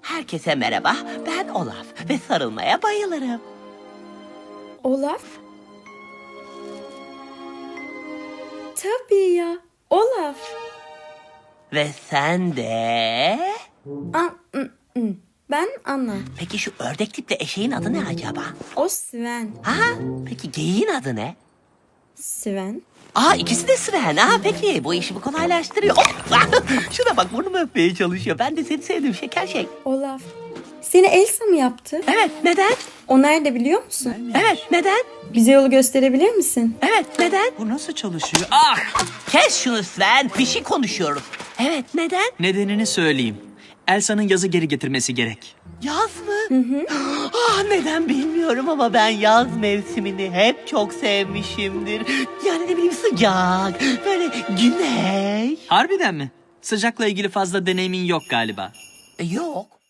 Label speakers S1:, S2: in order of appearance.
S1: Herkese merhaba, ben Olaf ve sarılmaya bayılırım.
S2: Olaf? Tabii ya, Olaf.
S1: Ve sen de...
S2: Ben Anna.
S1: Peki şu ördek tipli eşeğin adı ne acaba?
S2: O Sven.
S1: Ha? Peki geyiğin adı ne?
S2: Sven?
S1: İkisi de Sven. Peki bu işimi kolaylaştırıyor. Şuna bak, burnumu öpmeye çalışıyor. Ben de seni sevdim şeker şey.
S2: Olaf. Seni Elsa mı yaptı?
S1: Evet, neden?
S2: O nerede biliyor musun?
S1: Evet, neden?
S2: Bize yolu gösterebilir misin?
S1: Evet, neden?
S3: Bu nasıl çalışıyor?
S1: Kes şunu Sven, bir şey konuşuyoruz. Evet, neden?
S3: Nedenini söyleyeyim. Elsa'nın yazı geri getirmesi gerek.
S1: Yaz mı? Neden bilmiyorum ama ben yaz mevsimini hep çok sevmişimdir. Yani ne bileyim, sıcak, böyle güneş.
S3: Harbiden mi? Sıcakla ilgili fazla deneyimin yok galiba.
S1: Yok.